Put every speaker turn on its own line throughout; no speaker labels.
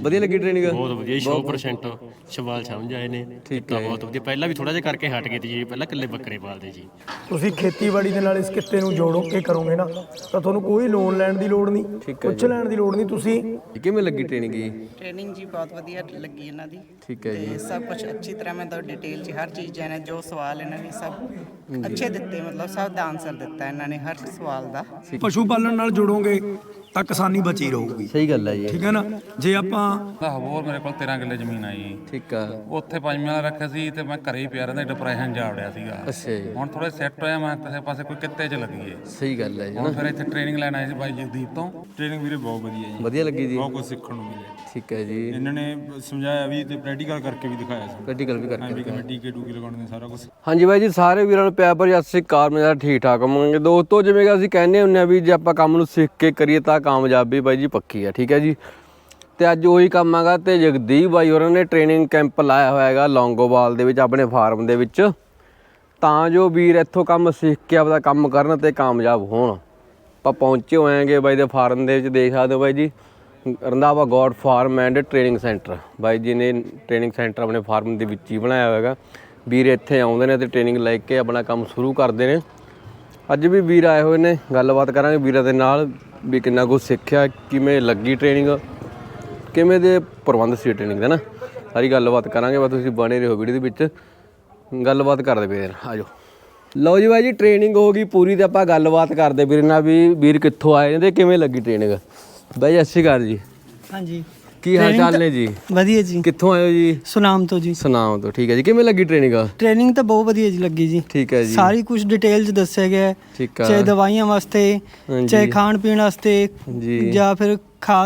ਵਧੀਆ ਲੱਗੀ ਟ੍ਰੇਨਿੰਗ?
ਬਹੁਤ ਵਧੀਆ 100% ਸਵਾਲ ਸਮਝ ਆਏ ਨੇ।
ਠੀਕ ਹੈ,
ਬਹੁਤ ਵਧੀਆ। ਪਹਿਲਾਂ ਵੀ ਥੋੜਾ ਜਿਹਾ ਕਰਕੇ ਹਟ ਗਏ ਜੀ, ਪਹਿਲਾਂ ਇਕੱਲੇ ਬੱਕਰੇ ਪਾਲਦੇ ਜੀ।
ਤੁਸੀਂ ਖੇਤੀਬਾੜੀ ਦੇ ਨਾਲ ਇਸ ਕਿੱਤੇ ਨੂੰ ਜੋੜੋ ਕੇ ਕਰੋਗੇ ਨਾ ਤਾਂ ਤੁਹਾਨੂੰ ਕੋਈ ਲੋਨ ਲੈਣ ਦੀ ਲੋੜ ਨਹੀਂ, ਕੁਛ ਲੈਣ ਦੀ ਲੋੜ ਨਹੀਂ। ਤੁਸੀਂ
ਕਿਵੇਂ ਲੱਗੀ ਟ੍ਰੇਨਿੰਗ ਜੀ?
ट्रेनिंग जी बहुत वधिया लगी इन्हां दी
ठीक है
ते
जी।
सब कुछ अच्छी तरह मैं तो डिटेल च हर चीज़ ने जो सवाल इन्हां ने सब अच्छे दिते, मतलब सब दा आंसर दिता इन्हां ने हर सवाल दा।
ਪਸ਼ੂ ਪਾਲਣ ਨਾਲ ਜੁੜੋਗੇ ਤਾਂ ਕਿਸਾਨੀ ਬਚੀ ਰਹੂਗੀ।
ਸਹੀ ਗੱਲ ਹੈ ਜੀ।
ਠੀਕ ਹੈ ਨਾ? ਜੇ ਆਪਾਂ
ਹੋਰ ਮੇਰੇ ਕੋਲ 13 ਕਿੱਲੇ ਜ਼ਮੀਨ ਆਈ।
ਠੀਕ ਆ।
ਉੱਥੇ ਪੰਜਵੇਂ ਵਾਲਾ ਰੱਖਿਆ ਸੀ ਤੇ ਮੈਂ ਘਰੇ ਹੀ ਪਿਆ ਰਹਿੰਦਾ, ਡਿਪਰੈਸ਼ਨ ਜਾ ਵੜਿਆ ਸੀਗਾ।
ਅੱਛਾ ਜੀ।
ਹੁਣ ਥੋੜਾ ਸੈੱਟ ਹੋਇਆ, ਮੈਂ ਕਿਸੇ ਪਾਸੇ ਕੋਈ ਕਿੱਤੇ 'ਚ ਲੱਗੀਏ।
ਸਹੀ ਗੱਲ ਹੈ ਜੀ।
ਹੁਣ ਫਿਰ ਇੱਥੇ ਟ੍ਰੇਨਿੰਗ ਲੈਣ ਆਏ ਸੀ ਬਾਈ ਜਗਦੀਪ ਤੋਂ।
ਟ੍ਰੇਨਿੰਗ ਵੀਰੇ ਬਹੁਤ ਵਧੀਆ ਜੀ,
ਵਧੀਆ ਲੱਗੀ ਜੀ?
ਬਹੁਤ ਕੁਝ ਸਿੱਖਣ ਨੂੰ ਮਿਲਿਆ।
ਠੀਕ ਹੈ ਜੀ।
ਇਹਨਾਂ ਨੇ ਸਮਝਾਇਆ ਵੀ ਤੇ ਪ੍ਰੈਕਟੀਕਲ ਕਰਕੇ ਵੀ ਦਿਖਾਇਆ ਸੀ।
ਪ੍ਰੈਕਟੀਕਲ ਵੀ ਕਰਕੇ
ਵੀ ਕਿਵੇਂ ਟੀਕੇ ਟੂਕੇ ਲਗਾਉਣੇ ਨੇ, ਸਾਰਾ ਕੁਝ।
ਹਾਂਜੀ ਬਾਈ ਜੀ, ਸਾਰੇ ਵੀਰਾਂ ਨੂੰ ਪਿਆਰ ਭਰੀ ਸਤਿ ਸ਼੍ਰੀ ਅਕਾਲ। ਮੇਰਾ ਠੀਕ ਠਾਕ ਹੋਵਾਂਗੇ ਦੋਸਤੋ। ਜਿਵੇਂ ਕਿ ਅਸੀਂ ਕਹਿੰਦੇ ਹੁੰਦੇ ਆ ਵੀ ਜੇ ਆਪਾਂ ਕੰਮ ਨੂੰ ਸਿੱਖ ਕੇ ਕਰੀਏ ਤਾਂ ਕਾਮਯਾਬੀ ਬਾਈ ਜੀ ਪੱਕੀ ਆ। ਠੀਕ ਹੈ ਜੀ। ਤੇ ਅੱਜ ਉਹੀ ਕੰਮ ਹੈਗਾ ਤੇ ਜਗਦੀਪ ਬਾਈ ਹੋਰਾਂ ਨੇ ਟ੍ਰੇਨਿੰਗ ਕੈਂਪ ਲਾਇਆ ਹੋਇਆ ਹੈਗਾ ਲੌਂਗੋਵਾਲ ਦੇ ਵਿੱਚ ਆਪਣੇ ਫਾਰਮ ਦੇ ਵਿੱਚ, ਤਾਂ ਜੋ ਵੀਰ ਇੱਥੋਂ ਕੰਮ ਸਿੱਖ ਕੇ ਆਪਦਾ ਕੰਮ ਕਰਨ ਤੇ ਕਾਮਯਾਬ ਹੋਣ। ਆਪਾਂ ਪਹੁੰਚੇ ਹੋਏ ਆਂਗੇ ਬਾਈ ਦੇ ਫਾਰਮ ਦੇ ਵਿੱਚ, ਦੇਖ ਸਕਦੇ ਹੋ ਬਾਈ ਜੀ, Randhawa goat farm and training centre. ਬਾਈ ਜੀ ਨੇ ਟ੍ਰੇਨਿੰਗ ਸੈਂਟਰ ਆਪਣੇ ਫਾਰਮ ਦੇ ਵਿੱਚ ਹੀ ਬਣਾਇਆ ਹੋਇਆ ਹੈਗਾ। ਵੀਰ ਇੱਥੇ ਆਉਂਦੇ ਨੇ ਤੇ ਟ੍ਰੇਨਿੰਗ ਲੈ ਕੇ ਆਪਣਾ ਕੰਮ ਸ਼ੁਰੂ ਕਰਦੇ ਨੇ। ਅੱਜ ਵੀ ਵੀਰ ਆਏ ਹੋਏ ਨੇ, ਗੱਲਬਾਤ ਕਰਾਂਗੇ ਵੀਰਾਂ ਦੇ ਨਾਲ ਵੀ ਕਿੰਨਾ ਕੁਛ ਸਿੱਖਿਆ, ਕਿਵੇਂ ਲੱਗੀ ਟ੍ਰੇਨਿੰਗ, ਕਿਵੇਂ ਦੇ ਪ੍ਰਬੰਧ ਸੀ ਟ੍ਰੇਨਿੰਗ ਦਾ ਨਾ, ਸਾਰੀ ਗੱਲਬਾਤ ਕਰਾਂਗੇ। ਬਸ ਤੁਸੀਂ ਬਣੇ ਰਹੋ ਵੀਡੀਓ ਦੇ ਵਿੱਚ, ਗੱਲਬਾਤ ਕਰਦੇ ਵੀਰ। ਆ ਜਾਓ। ਲਓ ਜੀ ਬਾਈ ਜੀ, ਟ੍ਰੇਨਿੰਗ ਹੋ ਗਈ ਪੂਰੀ ਤੇ ਆਪਾਂ ਗੱਲਬਾਤ ਕਰਦੇ ਵੀਰ ਨਾਲ ਵੀ ਵੀਰ ਕਿੱਥੋਂ ਆਏ ਨੇ ਤੇ ਕਿਵੇਂ ਲੱਗੀ ਟ੍ਰੇਨਿੰਗ। ਬਾਈ ਸਤਿ ਸ਼੍ਰੀ ਅਕਾਲ ਜੀ।
ਹਾਂਜੀ,
ਕੀ ਹਾਲ ਚਾਲ ਨੇ ਜੀ?
ਵਧੀਆ ਜੀ।
ਕਿੱਥੋਂ ਆਏ ਹੋ ਜੀ?
ਸੁਨਾਮ ਤੋਂ ਜੀ।
ਸੁਨਾਮ ਤੋਂ। ਠੀਕ ਹੈ ਜੀ। ਕਿਵੇਂ ਲੱਗੀ ਟ੍ਰੇਨਿੰਗ?
ਟ੍ਰੇਨਿੰਗ ਤਾਂ ਬਹੁਤ ਵਧੀਆ ਜੀ ਲੱਗੀ ਜੀ।
ਠੀਕ ਹੈ ਜੀ।
ਸਾਰੀ ਕੁਝ ਡਿਟੇਲ ਚ ਦੱਸਿਆ ਗਿਆ ਹੈ,
ਠੀਕ ਆ।
ਚਾਹੇ ਦਵਾਈਆਂ ਵਾਸਤੇ, ਚਾਹੇ ਖਾਣ ਪੀਣ ਵਾਸਤੇ,
ਜੀ,
ਜਾਂ ਫਿਰ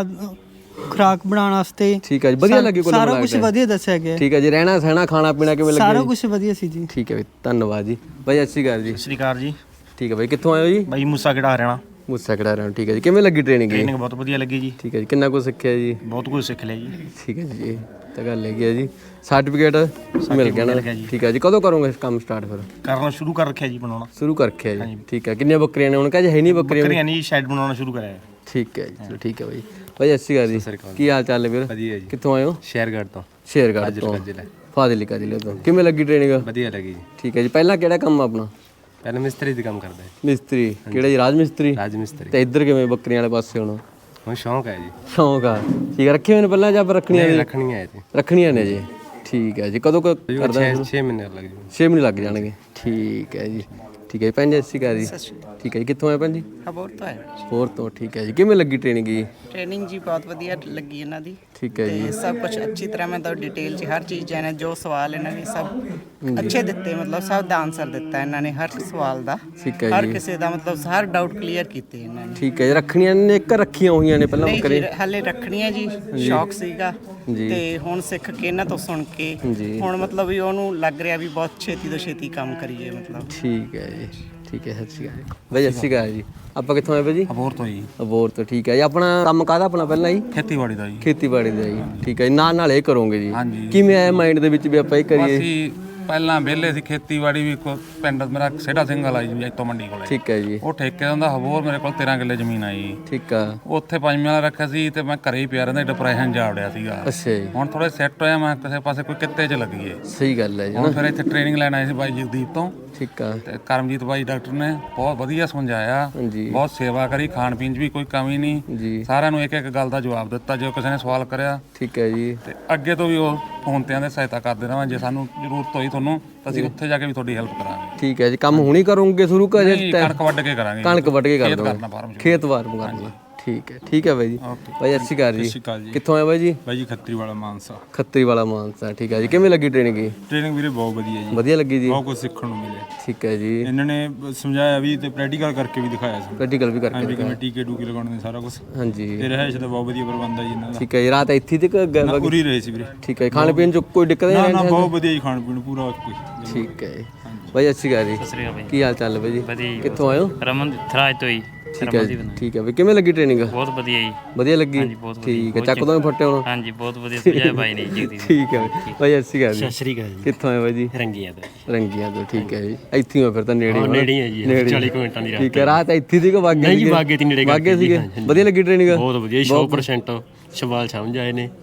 ਖੁਰਾਕ ਬਣਾਉਣ ਵਾਸਤੇ।
ਠੀਕ ਹੈ ਜੀ। ਵਧੀਆ ਲੱਗੀ ਕੋਲ?
ਸਾਰਾ ਕੁਝ ਵਧੀਆ ਦੱਸਿਆ ਗਿਆ।
ਠੀਕ ਹੈ ਜੀ। ਰਹਿਣਾ ਸਹਿਣਾ ਖਾਣਾ ਪੀਣਾ ਕਿਵੇਂ ਲੱਗਿਆ?
ਸਾਰਾ ਕੁਝ ਵਧੀਆ ਸੀ ਜੀ।
ਠੀਕ ਹੈ ਬਈ, ਧੰਨਵਾਦ ਜੀ। ਬਾਈ ਸਤਿ ਸ਼੍ਰੀ ਅਕਾਲ ਜੀ।
ਸਤਿ ਸ਼੍ਰੀ ਅਕਾਲ ਜੀ।
ਠੀਕ ਹੈ ਬਾਈ, ਕਿੱਥੋਂ ਆਏ ਹੋ ਜੀ?
ਬਾਈ ਮੂਸਾ ਕਿਹੜਾ ਹਰਿਆਣਾ।
ਮੁੱਸਾ ਕਢਾ ਰਹੇ ਹੋ। ਠੀਕ ਹੈ ਜੀ। ਕਿਵੇਂ ਲੱਗੀ ਟ੍ਰੇਨਿੰਗ?
ਟ੍ਰੇਨਿੰਗ ਬਹੁਤ ਵਧੀਆ ਲੱਗੀ ਜੀ।
ਠੀਕ ਹੈ ਜੀ। ਕਿੰਨਾ ਕੁਝ ਸਿੱਖਿਆ ਜੀ?
ਬਹੁਤ ਕੁਝ ਸਿੱਖ ਲਿਆ ਜੀ।
ਠੀਕ ਹੈ ਜੀ। ਇਹ ਤਾਂ ਗੱਲ ਹੈਗੀ ਹੈ ਜੀ। ਸਰਟੀਫਿਕੇਟ ਮਿਲ ਗਿਆ ਨਾ? ਠੀਕ ਹੈ ਜੀ। ਕਦੋਂ ਕਰੋਗੇ ਕੰਮ ਸਟਾਰਟ ਫਿਰ?
ਕਰਨਾ ਸ਼ੁਰੂ ਕਰ ਰੱਖਿਆ ਜੀ, ਬਣਾਉਣਾ
ਸ਼ੁਰੂ ਕਰ ਰੱਖਿਆ ਜੀ। ਠੀਕ ਹੈ। ਕਿੰਨੀਆਂ ਬੱਕਰੀਆਂ ਨੇ ਹੁਣ? ਕਹੇ ਹੈ ਨਹੀਂ ਬੱਕਰੀਆਂ?
ਬੱਕਰੀਆਂ ਨਹੀਂ, ਸ਼ੈਡ ਬਣਾਉਣਾ ਸ਼ੁਰੂ ਕਰਿਆ।
ਠੀਕ ਹੈ ਜੀ। ਚਲੋ ਠੀਕ ਹੈ ਬਾਈ। ਬਾਈ ਸਤਿ ਸ਼੍ਰੀ ਅਕਾਲ ਜੀ। ਕੀ ਹਾਲ ਚਾਲ ਹੈ ਵੀਰ?
ਵਧੀਆ ਜੀ।
ਕਿੱਥੋਂ ਆਏ ਹੋ?
ਸ਼ੇਰਗੜ੍ਹ ਤੋਂ।
ਸ਼ੇਰਗੜ੍ਹ ਤੋਂ। ਫਾਜ਼ਿਲਕਾ ਜ਼ਿਲ੍ਹੇ ਤੋਂ। ਕਿਵੇਂ ਲੱਗੀ ਟ੍ਰੇਨਿੰਗ?
ਵਧੀਆ ਲੱਗੀ ਜੀ।
ਠੀਕ ਹੈ ਜੀ। ਪਹਿਲਾਂ ਕਿਹੜਾ ਕੰਮ ਆਪਣਾ?
ਪਹਿਲਾਂ ਮਿਸਤਰੀ ਦਾ ਕੰਮ ਕਰਦਾ ਹੈ।
ਮਿਸਤਰੀ ਕਿਹੜਾ ਜੀ? ਰਾਜ ਮਿਸਤਰੀ।
ਰਾਜ ਮਿਸਤਰੀ।
ਤੇ ਇੱਧਰ ਕਿਵੇਂ ਬੱਕਰੀਆਂ ਵਾਲੇ ਪਾਸੇ ਹੁਣ?
ਹੁਣ ਸ਼ੌਂਕ ਹੈ ਜੀ।
ਸ਼ੌਂਕ ਆ। ਠੀਕ ਹੈ। ਰੱਖੇ ਹੋਏ ਨੇ ਪਹਿਲਾਂ ਜਾਂ ਰੱਖਣੀਆਂ ਨੇ?
ਰੱਖਣੀਆਂ ਹੈ ਜੀ।
ਰੱਖਣੀਆਂ ਨੇ ਜੀ। ਠੀਕ ਹੈ ਜੀ। ਕਦੋਂ ਕਰਦਾ?
6 ਮਹੀਨੇ ਲੱਗ ਜੂ।
6 ਮਹੀਨੇ ਲੱਗ ਜਾਣਗੇ। ਠੀਕ ਹੈ ਜੀ। ਠੀਕ ਹੈ ਜੀ। ਭੈਣ ਜੀ ਸਤਿ ਸ਼੍ਰੀ ਅਕਾਲ ਜੀ। ਠੀਕ ਹੈ ਜੀ। ਕਿੱਥੋਂ ਆਏ ਭੈਣ ਜੀ?
खबर तो है।
ਹੋਰ ਤੋਂ। ਠੀਕ ਹੈ ਜੀ। ਕਿਵੇਂ ਲੱਗੀ ਟ੍ਰੇਨਿੰਗ ਜੀ?
ट्रेनिंग जी बहुत वधिया लगी इन्हां दी
ਠੀਕ ਹੈ
ते
ਜੀ।
सब कुछ अच्छी तरह मैं तो डिटेल च हर चीज़ ने जो सवाल इन्हां ने सब अच्छे दिते, मतलब सब दा आंसर दिता इन्हां ने हर सवाल दा।
ਠੀਕ ਹੈ
हर
ਜੀ।
किसी दा मतलब हर डाउट क्लीयर कीते इन्हां ने।
ਠੀਕ ਹੈ ਜੀ। ਰੱਖਣੀਆਂ ਨੇ ਇੱਕ ਰੱਖੀਆਂ ਹੋਈਆਂ ਨੇ ਪਹਿਲਾਂ
ਨਹੀਂ
ਬੱਕਰੇ?
ਜੀ, ਹਾਲੇ ਰੱਖਣੀਆਂ ਜੀ, ਸ਼ੌਕ ਸੀਗਾ
ਜੀ।
ਤੇ ਹੁਣ ਸਿੱਖ ਕੇ ਇਹਨਾਂ ਤੋਂ ਸੁਣ ਕੇ
ਜੀ।
ਹੁਣ ਮਤਲਬ ਵੀ ਉਹਨੂੰ ਲੱਗ ਰਿਹਾ ਵੀ ਬਹੁਤ ਛੇਤੀ ਤੋਂ ਛੇਤੀ ਕੰਮ ਕਰੀਏ ਮਤਲਬ।
ਠੀਕ ਹੈ ਜੀ। ਠੀਕ ਹੈ। ਸਤਿ ਸ਼੍ਰੀ ਅਕਾਲ ਜੀ। ਬਾਈ ਸਤਿ ਸ਼੍ਰੀ ਅਕਾਲ ਜੀ। ਆਪਾਂ ਕਿੱਥੋਂ ਆਏ ਭਾਜੀ?
ਅਬੋਰ ਤੋਂ ਜੀ।
ਅਬੋਰ ਤੋਂ। ਠੀਕ ਹੈ ਜੀ। ਆਪਣਾ ਕੰਮ ਕਾਹਦਾ ਆਪਣਾ ਪਹਿਲਾਂ ਜੀ?
ਖੇਤੀਬਾੜੀ ਦਾ ਜੀ।
ਖੇਤੀਬਾੜੀ ਦਾ ਜੀ। ਠੀਕ ਹੈ ਜੀ। ਨਾਲ ਨਾਲ ਇਹ ਕਰੋਗੇ ਜੀ?
ਹਾਂਜੀ।
ਕਿਵੇਂ ਆਇਆ ਮਾਈਂਡ ਦੇ ਵਿੱਚ ਵੀ ਆਪਾਂ ਇਹ ਕਰੀਏ?
ਅਸੀਂ ਪਹਿਲਾਂ ਵਿਹਲੇ ਸੀ, ਖੇਤੀਬਾੜੀ ਵੀ ਪਿੰਡ ਮੇਰਾ ਸੇਢਾ ਸਿੰਘ ਵਾਲਾ ਜੀ, ਇੱਥੋਂ ਮੰਡੀ ਕੋਲੇ।
ਠੀਕ ਹੈ ਜੀ।
ਉਹ ਠੇਕੇ ਦਾ ਹੁੰਦਾ। ਹੋਰ ਮੇਰੇ ਕੋਲ 13 ਕਿੱਲੇ ਜ਼ਮੀਨ ਆਈ।
ਠੀਕ ਆ।
ਉੱਥੇ ਪੰਜਵੇਂ ਵਾਲਾ ਰੱਖਿਆ ਸੀ ਤੇ ਮੈਂ ਘਰੇ ਹੀ ਪਿਆ ਰਹਿੰਦਾ, ਡਿਪਰੈਸ਼ਨ ਜਾ ਵੜਿਆ ਸੀਗਾ।
ਅੱਛਾ ਜੀ।
ਹੁਣ ਥੋੜਾ ਸੈੱਟ ਹੋਇਆ, ਮੈਂ ਕਿਸੇ ਪਾਸੇ ਕੋਈ ਕਿੱਤੇ 'ਚ ਲੱਗੀਏ।
ਸਹੀ ਗੱਲ ਹੈ ਜੀ।
ਹੁਣ ਫਿਰ ਇੱਥੇ ਟ੍ਰੇਨਿੰਗ ਲੈਣ ਆਏ ਸੀ ਬਾਈ ਜਗਦੀਪ ਤੋਂ।
ਠੀਕ ਆ।
ਤੇ ਕਰਮਜੀਤ ਬਾਈ ਡਾਕਟਰ ਨੇ ਬਹੁਤ ਵਧੀਆ ਸਮਝਾਇਆ,
ਜੀ।
ਬਹੁਤ ਸੇਵਾ ਕਰੀ, ਖਾਣ ਪੀਣ 'ਚ ਵੀ ਕੋਈ ਕਮੀ ਨਹੀਂ
ਜੀ।
ਸਾਰਿਆਂ ਨੂੰ ਇੱਕ ਇੱਕ ਗੱਲ ਦਾ ਜਵਾਬ ਦਿੱਤਾ ਜੋ ਕਿਸੇ ਨੇ ਸਵਾਲ ਕਰਿਆ।
ਠੀਕ ਹੈ ਜੀ।
ਤੇ ਅੱਗੇ ਤੋਂ ਵੀ ਉਹ ਫੋਨ ਤੇ ਆਂਦੇ ਸਹਾਇਤਾ ਕਰਦੇ ਰਹਾਂ, ਜੇ ਸਾਨੂੰ ਜ਼ਰੂਰਤ ਹੋਈ ਤੁਹਾਨੂੰ ਤਾਂ ਅਸੀਂ ਉੱਥੇ ਜਾ ਕੇ ਵੀ ਤੁਹਾਡੀ ਹੈਲਪ ਕਰਾਂਗੇ।
ਠੀਕ ਹੈ ਜੀ। ਕੰਮ ਹੁਣੀ ਕਰੋਗੇ ਸ਼ੁਰੂ ਕਰ?
ਨਹੀਂ, ਕਣਕ ਵੱਢ ਕੇ ਕਰਾਂਗੇ।
ਕਣਕ ਵੱਢ ਕੇ ਕਰ
ਖੇਤ
ਦੋਗੇ?
ਕਰਨਾ ਫਾਰਮ 'ਚ।
ਖੇਤ ਵਾਰਮ ਕਰਨਾ। ਠੀਕ ਹੈ। ਠੀਕ ਹੈ ਬਾਈ ਜੀ। ਬਾਈ ਸਤਿ ਸ਼੍ਰੀ ਅਕਾਲ ਜੀ।
ਸਤਿ ਸ਼੍ਰੀ ਅਕਾਲ ਜੀ।
ਕਿੱਥੋਂ ਆਏ ਬਾਈ ਜੀ?
ਬਾਈ ਜੀ ਖੱਤਰੀ ਵਾਲਾ ਮਾਨਸਾ।
ਖੱਤਰੀ ਵਾਲਾ ਮਾਨਸਾ। ਠੀਕ ਹੈ ਜੀ। ਕਿਵੇਂ ਲੱਗੀ ਟ੍ਰੇਨਿੰਗ ਜੀ?
ਟ੍ਰੇਨਿੰਗ ਵੀਰੇ ਬਹੁਤ ਵਧੀਆ ਜੀ,
ਵਧੀਆ ਲੱਗੀ ਜੀ?
ਬਹੁਤ ਕੁਝ ਸਿੱਖਣ ਨੂੰ ਮਿਲਿਆ।
ਠੀਕ ਹੈ ਜੀ।
ਇਹਨਾਂ ਨੇ ਸਮਝਾਇਆ ਵੀ ਤੇ ਪ੍ਰੈਕਟੀਕਲ ਕਰਕੇ ਵੀ ਦਿਖਾਇਆ ਸੀ।
ਪ੍ਰੈਕਟੀਕਲ ਵੀ
ਵੀ
ਕਰਕੇ?
ਕਿਵੇਂ ਟੀਕੇ ਟੂਕੇ ਲਗਾਉਣੇ ਨੇ, ਸਾਰਾ ਕੁਝ।
ਹਾਂਜੀ।
ਤੇ ਰਹਿائش ਦਾ ਬਹੁਤ ਵਧੀਆ ਪ੍ਰਬੰਧ ਹੈ ਜੀ ਇਹਨਾਂ ਦਾ।
ਠੀਕ ਹੈ ਜੀ। ਰਾਤ ਇੱਥੇ ਤੱਕ
ਪੂਰੀ ਰਹੇ ਸੀ ਵੀਰੇ।
ਠੀਕ ਹੈ। ਖਾਣ ਪੀਣ ਚ ਕੋਈ ਦਿੱਕਤ
ਨਾ
ਨਹੀਂ?
ਨਾ, ਬਹੁਤ ਵਧੀਆ ਜੀ, ਖਾਣ ਪੀਣ ਪੂਰਾ ਕੋਈ।
ਠੀਕ ਹੈ। ਬਾਈ ਸਤਿ ਸ਼੍ਰੀ ਅਕਾਲ ਜੀ।
ਸਤਿ ਸ੍ਰੀ ਅਕਾਲ ਬਾਈ।
ਕੀ ਹਾਲ ਚਾਲ ਹੈ ਬਾਈ ਜੀ?
ਵਧੀਆ ਜੀ।
ਕਿੱਥੋਂ ਆਏ ਹੋ?
ਰਮਨ ਥਰਾਜ ਤੋਂ ਹੀ।
ਠੀਕ ਹੈ। ਠੀਕ ਹੈ ਬਈ। ਕਿਵੇਂ ਲੱਗੀ ਟ੍ਰੇਨਿੰਗ?
ਬਹੁਤ ਵਧੀਆ ਜੀ।
ਵਧੀਆ ਲੱਗੀ?
ਹਾਂਜੀ, ਬਹੁਤ ਵਧੀਆ।
ਠੀਕ ਹੈ। ਚੱਕ ਤੋਂ ਫੱਟੇ ਹੁਣ?
ਹਾਂਜੀ, ਬਹੁਤ ਵਧੀਆ ਸਮਝਾਇਆ ਬਾਈ ਨੇ ਜੀ।
ਠੀਕ ਹੈ ਬਾਈ। ਸਤਿ ਸ਼੍ਰੀ ਅਕਾਲ ਜੀ।
ਸਤਿ ਸ਼੍ਰੀ ਅਕਾਲ ਜੀ।
ਕਿੱਥੋਂ ਆਏ ਬਾਈ ਜੀ?
ਰੰਗੀਆਂ ਤੋਂ।
ਰੰਗੀਆਂ ਤੋਂ। ਠੀਕ ਹੈ ਜੀ। ਇੱਥੇ ਹੀ ਫਿਰ ਤਾਂ ਨੇੜੇ
ਨੇੜੇ ਹੀ ਹੈ ਜੀ, 40 ਮਿੰਟਾਂ ਦੀ ਰਾਹ।
ਠੀਕ ਹੈ। ਰਾਤ ਇੱਥੇ ਦੀ ਕੋ ਬਾਗੇ?
ਨਹੀਂ ਜੀ, ਬਾਗੇ ਦੀ ਨੇੜੇ
ਬਾਗੇ ਸੀਗੇ। ਵਧੀਆ ਲੱਗੀ ਟ੍ਰੇਨਿੰਗ?
ਬਹੁਤ ਵਧੀਆ 100% ਸਵਾਲ ਸਮਝ ਆਏ ਨੇ।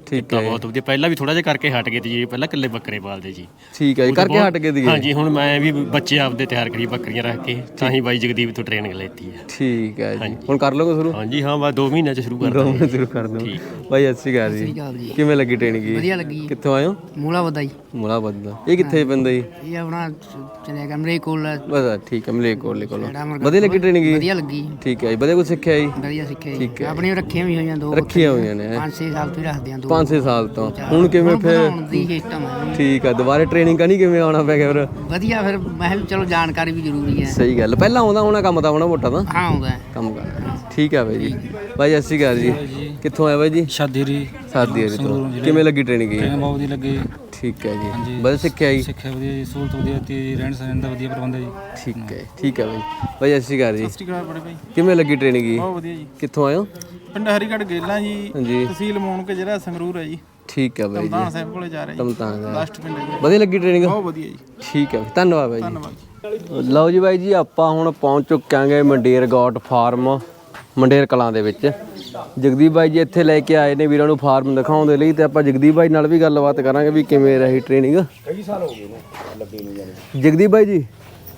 ਠੀਕ
ਤਾਂ ਬਹੁਤ ਵਧੀਆ। ਪਹਿਲਾਂ ਵੀ ਥੋੜਾ ਜਿਹਾ ਕਰਕੇ ਹਟ ਗਏ ਤੇ ਜੀ, ਪਹਿਲਾਂ ਇਕੱਲੇ ਬੱਕਰੇ ਪਾਲਦੇ ਜੀ।
ਠੀਕ ਹੈ ਜੀ, ਕਰਕੇ ਹਟ ਗਏ ਦੀ।
ਹਾਂਜੀ, ਹੁਣ ਮੈਂ ਵੀ ਬੱਚੇ ਆਪਦੇ ਤਿਆਰ ਕਰੀ ਬੱਕਰੀਆਂ ਰੱਖ ਕੇ, ਤਾਂ ਹੀ ਬਾਈ ਜਗਦੀਪ ਤੋਂ ਟ੍ਰੇਨਿੰਗ ਲੈਤੀ ਹੈ।
ਠੀਕ ਹੈ ਜੀ, ਹੁਣ ਕਰ ਲਓਗੇ ਸ਼ੁਰੂ?
ਹਾਂਜੀ ਹਾਂ, ਬਸ 2 ਮਹੀਨਿਆਂ ਚ ਸ਼ੁਰੂ ਕਰ ਦਾਂਗੇ।
ਦੋਵੇਂ ਸ਼ੁਰੂ ਕਰ ਦੋ। ਬਾਈ ਸਤਿ ਸ਼੍ਰੀ ਅਕਾਲ ਜੀ, ਕਿਵੇਂ ਲੱਗੀ ਟ੍ਰੇਨਿੰਗ?
ਵਧੀਆ ਲੱਗੀ।
ਕਿੱਥੋਂ ਆਏ ਹੋ?
ਮੂਲਾ ਵਧਾਈ।
ਮੁਲਾ ਬੰਦਾ। ਇਹ ਕਿੱਥੇ ਪੈਂਦਾ ਜੀ?
ਇਹ ਆਪਣਾ ਚਲੇ ਗਿਆ ਮਰੇ ਕੋਲ।
ਬਸ ਠੀਕ ਹੈ, ਮਲੇਕੋਟਲੇ ਕੋਲ। ਵਧੀਆ ਲੱਗੀ ਟ੍ਰੇਨਿੰਗ?
ਵਧੀਆ ਲੱਗੀ।
ਠੀਕ ਹੈ ਜੀ, ਵਧੀਆ ਕੁਝ ਸਿੱਖਿਆ ਜੀ?
ਵਧੀਆ ਸਿੱਖਿਆ
ਠੀਕ ਹੈ।
ਆਪਣੀਆਂ ਰੱਖੀਆਂ ਵੀ ਹੋਈਆਂ 2
ਰੱਖੀਆਂ ਹੋਈਆਂ ਨੇ
5-6 ਸਾਲ ਤੋਂ ਹੀ ਰੱਖਦੇ ਆ 2।
5-6 ਸਾਲ ਤੋਂ। ਹੁਣ ਕਿਵੇਂ ਫਿਰ?
ਦੀ ਸਿਸਟਮ ਹੈ
ਠੀਕ ਹੈ, ਦੁਬਾਰੇ ਟ੍ਰੇਨਿੰਗ ਕਰਨੀ, ਕਿਵੇਂ ਆਉਣਾ ਪੈ ਗਿਆ ਫਿਰ?
ਵਧੀਆ। ਫਿਰ ਮੈਂ ਕਿਹਾ ਵੀ ਚਲੋ ਜਾਣਕਾਰੀ ਵੀ ਜ਼ਰੂਰੀ ਹੈ।
ਸਹੀ ਗੱਲ, ਪਹਿਲਾਂ ਆਉਂਦਾ ਹੋਣਾ ਕੰਮ ਤਾਂ ਹੋਣਾ ਮੋਟਾ ਤਾਂ?
ਹਾਂ ਆਉਂਦਾ ਹੈ।
ਕੰਮ ਕਰ। ਠੀਕ ਹੈ ਬਾਈ ਜੀ। ਬਾਈ ਸਤਿ ਸ਼੍ਰੀ ਅਕਾਲ ਜੀ, ਕਿੱਥੋਂ ਆਏ ਬਾਈ ਜੀ?
ਸ਼ਾਦੀਰੀ
ਸਾਦੀ ਤੋਂ। ਕਿਵੇਂ ਲੱਗੀ ਟ੍ਰੇਨਿੰਗ?
ਬਹੁਤ ਵਧੀਆ ਲੱਗੇ।
ਠੀਕ ਹੈ ਜੀ, ਵਧੀਆ ਸਿੱਖਿਆ ਜੀ?
ਸਿੱਖਿਆ ਵਧੀਆ ਜੀ, ਸਹੂਲਤ ਵਧੀਆ ਤੇ ਰਹਿਣ ਸਹਿਣ ਦਾ ਵਧੀਆ ਪ੍ਰਬੰਧ ਹੈ ਜੀ।
ਠੀਕ ਹੈ, ਠੀਕ ਹੈ ਬਾਈ। ਬਾਈ ਸਤਿ ਸ਼੍ਰੀ ਅਕਾਲ ਜੀ,
ਬੜੇ ਭਾਈ
ਕਿਵੇਂ ਲੱਗੀ ਟ੍ਰੇਨਿੰਗ ਜੀ?
ਬਹੁਤ ਵਧੀਆ ਜੀ।
ਕਿੱਥੋਂ ਆਏ ਹੋ?
ਪਿੰਡ ਹਰੀਗੜ੍ਹ ਗੇਲਾਂ ਜੀ,
ਹਾਂਜੀ।
ਤਹਿਸੀਲ ਮੋਣਕੇ, ਜ਼ਿਲ੍ਹਾ ਸੰਗਰੂਰ ਹੈ ਜੀ।
ਠੀਕ ਹੈ ਬਾਈ ਜੀ,
ਧਾਨ ਸਾਹਿਬ ਕੋਲੇ ਜਾ ਰਹੇ ਜੀ।
ਤਮਤਾਨ ਦਾ।
ਲਾਸਟ ਪਿੰਡ ਹੈ ਜੀ।
ਵਧੀਆ ਲੱਗੀ ਟ੍ਰੇਨਿੰਗ?
ਬਹੁਤ ਵਧੀਆ ਜੀ।
ਠੀਕ ਹੈ, ਧੰਨਵਾਦ ਬਾਈ ਜੀ।
ਧੰਨਵਾਦ ਜੀ।
ਲਓ ਜੀ ਬਾਈ ਜੀ, ਆਪਾਂ ਹੁਣ ਪਹੁੰਚ ਚੁੱਕਾਂਗੇ ਮੰਡੇਰ ਗੋਟ ਫਾਰਮ, ਮੰਡੇਰ ਕਲਾਂ ਦੇ ਵਿੱਚ। ਜਗਦੀਪ ਬਾਈ ਜੀ ਇੱਥੇ ਲੈ ਕੇ ਆਏ ਨੇ ਵੀਰਾਂ ਨੂੰ ਫਾਰਮ ਦਿਖਾਉਣ ਦੇ ਲਈ, ਤੇ ਆਪਾਂ ਜਗਦੀਪ ਬਾਈ ਨਾਲ ਵੀ ਗੱਲਬਾਤ ਕਰਾਂਗੇ ਵੀ ਕਿਵੇਂ ਰਹੀ ਟ੍ਰੇਨਿੰਗ।
ਕਈ ਸਾਲ ਹੋ ਗਏ ਨੇ ਲੱਗੇ ਨੂੰ ਜਾਨੀ।
ਜਗਦੀਪ ਬਾਈ ਜੀ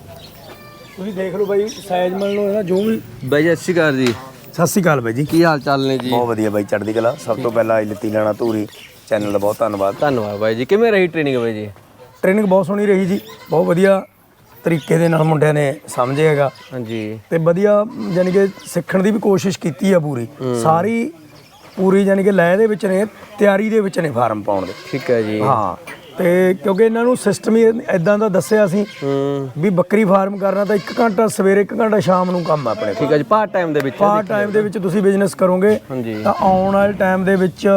ਤੁਸੀਂ ਦੇਖ ਲਓ ਬਾਈ, ਸਾਈਜ਼ ਮੰਨ ਲਓ ਇਹਦਾ ਜੋ ਵੀ।
ਬਾਈ ਜੀ ਸਤਿ ਸ਼੍ਰੀ ਅਕਾਲ ਜੀ।
ਸਤਿ ਸ਼੍ਰੀ ਅਕਾਲ ਬਾਈ ਜੀ,
ਕੀ ਹਾਲ ਚਾਲ ਨੇ ਜੀ?
ਬਹੁਤ ਵਧੀਆ ਬਾਈ, ਚੜ੍ਹਦੀ ਕਲਾ। ਸਭ ਤੋਂ ਪਹਿਲਾਂ ਲਿੱਤੀ ਲੈਣਾ ਧੂਰੀ ਚੈਨਲ ਦਾ ਬਹੁਤ ਧੰਨਵਾਦ।
ਧੰਨਵਾਦ ਬਾਈ ਜੀ। ਕਿਵੇਂ ਰਹੀ ਟ੍ਰੇਨਿੰਗ ਬਾਈ ਜੀ?
ਟ੍ਰੇਨਿੰਗ ਬਹੁਤ ਸੋਹਣੀ ਰਹੀ ਜੀ, ਬਹੁਤ ਵਧੀਆ ਤਰੀਕੇ ਦੇ ਨਾਲ ਮੁੰਡਿਆਂ ਨੇ ਸਮਝਿਆਗਾ
ਹਾਂਜੀ,
ਤੇ ਵਧੀਆ ਯਾਨੀ ਕਿ ਸਿੱਖਣ ਦੀ ਵੀ ਕੋਸ਼ਿਸ਼ ਕੀਤੀ ਆ ਪੂਰੀ ਸਾਰੀ, ਪੂਰੀ ਯਾਨੀ ਕਿ ਲੈ ਦੇ ਵਿੱਚ ਨੇ, ਤਿਆਰੀ ਦੇ ਵਿੱਚ ਨੇ ਫਾਰਮ ਪਾਉਣ ਦੇ।
ਠੀਕ ਹੈ ਜੀ।
ਹਾਂ, ਤੇ ਕਿਉਂਕਿ ਇਹਨਾਂ ਨੂੰ ਸਿਸਟਮ ਹੀ ਇਦਾਂ ਦਾ ਦੱਸਿਆ ਸੀ ਵੀ ਬੱਕਰੀ ਫਾਰਮ ਕਰਨਾ ਤਾਂ 1 ਘੰਟਾ ਸਵੇਰੇ, 1 ਘੰਟਾ ਸ਼ਾਮ ਨੂੰ ਕੰਮ ਆ ਆਪਣੇ।
ਠੀਕ ਹੈ ਜੀ, ਪਾਰਟ ਟਾਈਮ ਦੇ ਵਿੱਚ?
ਪਾਰਟ ਟਾਈਮ ਦੇ ਵਿੱਚ ਤੁਸੀਂ ਬਿਜ਼ਨਸ ਕਰੋਗੇ ਤਾਂ ਆਉਣ ਵਾਲੇ ਟਾਈਮ ਦੇ ਵਿੱਚ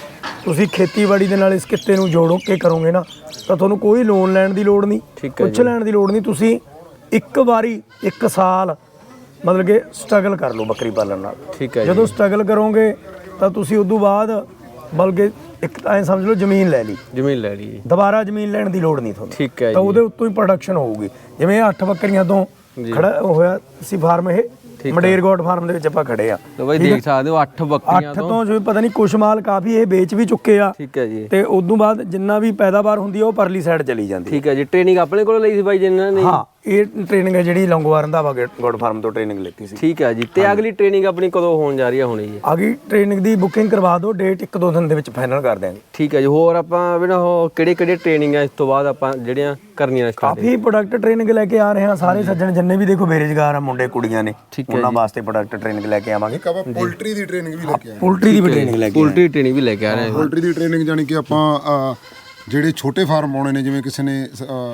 ਤੁਸੀਂ ਖੇਤੀਬਾੜੀ ਦੇ ਨਾਲ ਇਸ ਕਿੱਤੇ ਨੂੰ ਜੋੜ ਕੇ ਕਰੋਗੇ ਨਾ, ਤਾਂ ਤੁਹਾਨੂੰ ਕੋਈ ਲੋਨ ਲੈਣ ਦੀ ਲੋੜ ਨਹੀਂ, ਕੁਛ ਲੈਣ ਦੀ ਲੋੜ ਨਹੀਂ। ਤੁਸੀਂ ਇੱਕ ਵਾਰੀ 1 ਸਾਲ ਮਤਲਬ ਕਿ ਸਟਰਗਲ ਕਰ ਲਓ ਬੱਕਰੀ ਪਾਲਣ ਨਾਲ।
ਠੀਕ ਹੈ।
ਜਦੋਂ ਸਟਰਗਲ ਕਰੋਗੇ ਤਾਂ ਤੁਸੀਂ ਉਦੋਂ ਬਾਅਦ ਬਲਕਿ ਇੱਕ ਐਂ ਸਮਝ ਲਓ ਜ਼ਮੀਨ ਲੈ ਲਈ,
ਜ਼ਮੀਨ ਲੈ ਲਈ,
ਦੁਬਾਰਾ ਜ਼ਮੀਨ ਲੈਣ ਦੀ ਲੋੜ ਨਹੀਂ ਤੁਹਾਨੂੰ।
ਠੀਕ ਹੈ
ਤਾਂ
ਜੀ।
ਉਹਦੇ ਉੱਤੋਂ ਹੀ ਪ੍ਰੋਡਕਸ਼ਨ ਹੋਊਗੀ। ਜਿਵੇਂ 8 ਬੱਕਰੀਆਂ ਤੋਂ ਖੜਾ ਹੋਇਆ ਸੀ ਫਾਰਮ, ਇਹ ਮੰਡੇਰ ਗੋਟ ਫਾਰਮ ਦੇ ਵਿੱਚ ਆਪਾਂ ਖੜੇ ਆ।
ਲੋ ਬਾਈ ਦੇਖ ਸਕਦੇ ਹੋ 8 ਬੱਕਰੀਆਂ
8 ਤੋਂ ਜਿਵੇਂ ਪਤਾ ਨਹੀਂ ਕੁਛ ਮਾਲ ਕਾਫੀ ਇਹ ਵੇਚ ਵੀ ਚੁੱਕੇ ਆ।
ਠੀਕ ਹੈ ਜੀ।
ਤੇ ਉਦੋਂ ਬਾਅਦ ਜਿੰਨਾ ਵੀ ਪੈਦਾਵਾਰ ਹੁੰਦੀ ਆ ਉਹ ਪਰਲੀ ਸਾਈਡ ਚਲੀ ਜਾਂਦੀ।
ਠੀਕ ਹੈ ਜੀ। ਟ੍ਰੇਨਿੰਗ ਆਪਣੇ ਕੋਲੋਂ ਲਈ ਸੀ ਬਾਈ ਜੀ ਇਹਨਾਂ ਨੇ?
ਹਾਂ, ਇਹ ਟ੍ਰੇਨਿੰਗ ਹੈ ਜਿਹੜੀ ਲੌਂਗੋਵਾਲ ਰੰਧਾਵਾ ਗੋਟ ਫਾਰਮ ਤੋਂ ਟ੍ਰੇਨਿੰਗ ਲਿੱਤੀ ਸੀ।
ਠੀਕ ਹੈ ਜੀ। ਤੇ ਅਗਲੀ ਟ੍ਰੇਨਿੰਗ ਆਪਣੀ ਕਦੋਂ ਹੋਣ ਜਾ ਰਹੀ ਹੈ ਹੁਣ ਜੀ?
ਅਗਲੀ ਟ੍ਰੇਨਿੰਗ ਦੀ ਬੁਕਿੰਗ ਕਰਵਾ ਦਿਓ, ਡੇਟ 1-2 ਦਿਨ ਦੇ ਵਿੱਚ ਫਾਈਨਲ ਕਰ ਦਿਆਂਗੇ।
ਠੀਕ ਹੈ ਜੀ। ਹੋਰ ਆਪਾਂ ਵੀ ਨਾ ਉਹ ਕਿਹੜੇ ਟ੍ਰੇਨਿੰਗ ਆ ਇਸ ਤੋਂ ਬਾਅਦ ਆਪਾਂ ਜਿਹੜੀਆਂ ਕਰਨੀਆਂ ਸਟਾਰਟ?
ਕਾਫੀ ਪ੍ਰੋਡਕਟ ਟ੍ਰੇਨਿੰਗ ਲੈ ਕੇ ਆ ਰਹੇ ਹਾਂ ਸਾਰੇ ਸੱਜਣ ਜਿੰਨੇ ਵੀ ਦੇਖੋ ਬੇਰੁਜ਼ਗਾਰ ਆ ਮੁੰਡੇ ਕੁੜੀਆਂ ਨੇ, ਉਹਨਾਂ ਵਾਸਤੇ ਪ੍ਰੋਡਕਟ ਟ੍ਰੇਨਿੰਗ ਲੈ ਕੇ ਆਵਾਂਗੇ।
ਪੋਲਟਰੀ ਦੀ ਟ੍ਰੇਨਿੰਗ ਵੀ ਲੈ ਕੇ ਆਏ।
ਪੋਲਟਰੀ ਦੀ ਵੀ ਟ੍ਰੇਨਿੰਗ ਲੈ ਕੇ
ਪੋਲਟਰੀ ਟ੍ਰੇਨਿੰਗ ਵੀ ਲੈ ਕੇ ਆ ਰਹੇ ਹਾਂ।
ਪੋਲਟਰੀ ਦੀ ਟ੍ਰੇਨਿੰਗ ਜਾਨੀ ਕਿ ਆਪਾਂ ਜਿਹੜੇ ਛੋਟੇ ਫਾਰਮ ਪਾਉਣੇ ਨੇ, ਜਿਵੇਂ ਕਿਸੇ ਨੇ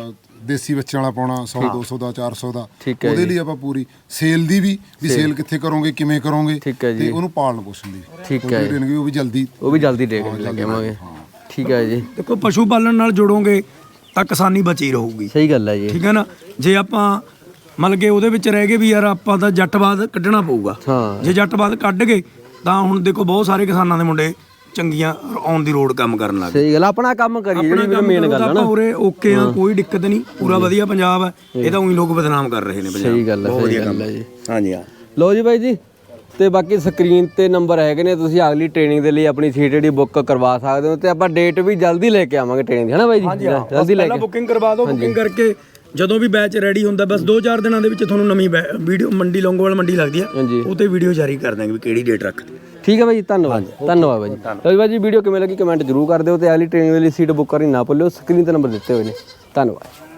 ਦੇਸੀ ਬੱਚਿਆਂ ਵਾਲਾ ਪਾਉਣਾ 100-200 ਦਾ 400 ਦਾ, ਉਹਦੇ ਲਈ ਆਪਾਂ ਪੂਰੀ ਸੇਲ ਦੀ ਵੀ ਸੇਲ ਕਿੱਥੇ ਕਰੋਗੇ, ਕਿਵੇਂ ਕਰੋਗੇ, ਤੇ ਉਹਨੂੰ ਪਾਲਣ ਪੋਸ਼ਣ ਦੀ
ਠੀਕ ਹੈ
ਟ੍ਰੇਨਿੰਗ ਵੀ ਉਹ ਵੀ ਜਲਦੀ
ਲੈ ਕੇ ਆਵਾਂਗੇ। ਠੀਕ ਹੈ ਜੀ।
ਦੇਖੋ ਪਸ਼ੂ ਪਾਲਣ ਨਾਲ ਜੁੜੋਗੇ ਤਾਂ ਕਿਸਾਨੀ ਬਚੀ ਰਹੂਗੀ।
ਸਹੀ ਗੱਲ ਹੈ ਜੀ।
ਠੀਕ ਹੈ ਨਾ। ਜੇ ਆਪਾਂ ਮਤਲਬ ਕਿ ਉਹਦੇ ਵਿੱਚ ਰਹਿ ਗਏ ਵੀ ਯਾਰ ਆਪਾਂ ਤਾਂ ਜੱਟਵਾਦ ਕੱਢਣਾ ਪਊਗਾ, ਜੇ ਜੱਟਵਾਦ ਕੱਢ ਗਏ ਤਾਂ ਹੁਣ ਦੇਖੋ ਬਹੁਤ ਸਾਰੇ ਕਿਸਾਨਾਂ ਦੇ ਮੁੰਡੇ ਚੰਗੀਆਂ ਔਨ ਦੀ ਰੋਡ ਕੰਮ ਕਰਨ ਲੱਗ ਗਏ।
ਸਹੀ ਗੱਲ, ਆਪਣਾ ਕੰਮ ਕਰੀਏ ਜਿਹੜੀ ਮੇਨ ਗੱਲ ਹੈ ਨਾ।
ਉਰੇ ਓਕੇ ਆ, ਕੋਈ ਦਿੱਕਤ ਨਹੀਂ, ਪੂਰਾ ਵਧੀਆ ਪੰਜਾਬ ਹੈ। ਇਹ ਤਾਂ ਉਹੀ ਲੋਕ ਬਦਨਾਮ ਕਰ ਰਹੇ ਨੇ ਪੰਜਾਬ।
ਸਹੀ ਗੱਲ ਹੈ, ਸਹੀ ਗੱਲ ਹੈ ਜੀ।
ਹਾਂਜੀ ਹਾਂ।
ਲਓ ਜੀ ਬਾਈ ਜੀ, ਤੇ ਬਾਕੀ ਸਕਰੀਨ ਤੇ ਨੰਬਰ ਹੈਗੇ ਨੇ, ਤੁਸੀਂ ਅਗਲੀ ਟ੍ਰੇਨਿੰਗ ਦੇ ਲਈ ਆਪਣੀ ਸੀਟ ਜਿਹੜੀ ਬੁੱਕ ਕਰਵਾ ਸਕਦੇ ਹੋ, ਤੇ ਆਪਾਂ ਡੇਟ ਵੀ ਜਲਦੀ ਲੈ ਕੇ ਆਵਾਂਗੇ ਟ੍ਰੇਨਿੰਗ ਦੀ, ਹੈ ਨਾ ਬਾਈ ਜੀ? ਜਲਦੀ ਲੈ ਕੇ
ਬੁਕਿੰਗ ਕਰਵਾ ਦਿਓ। ਬੁਕਿੰਗ ਕਰਕੇ ਜਦੋਂ ਵੀ ਬੈਚ ਰੈਡੀ ਹੁੰਦਾ, ਬਸ 2-4 ਦਿਨਾਂ ਦੇ ਵਿੱਚ ਤੁਹਾਨੂੰ ਨਵੀਂ ਵੀਡੀਓ, ਮੰਡੀ ਲੌਂਗੋਵਾਲ ਮੰਡੀ ਲੱਗਦੀ ਆ, ਉਹ ਤੇ ਵੀਡੀਓ ਜਾਰੀ ਕਰ ਦਾਂਗੇ ਵੀ ਕਿਹੜੀ ਡੇਟ ਰੱਖ।
ਠੀਕ ਹੈ ਬਾਈ ਜੀ, ਧੰਨਵਾਦ। ਧੰਨਵਾਦ ਬਾਈ ਜੀ। ਲਓ ਬਾਈ ਜੀ, ਵੀਡੀਓ ਕਿਵੇਂ ਲੱਗੀ ਕਮੈਂਟ ਜ਼ਰੂਰ ਕਰ ਦਿਓ, ਤੇ ਅਗਲੀ ਟ੍ਰੇਨਿੰਗ ਦੇ ਲਈ ਸੀਟ ਬੁੱਕ ਕਰਨੀ ਨਾ ਭੁੱਲਿਓ। ਸਕਰੀਨ ਤੇ ਨੰਬਰ ਦਿੱਤੇ ਹੋਏ ਨੇ। ਧੰਨਵਾਦ।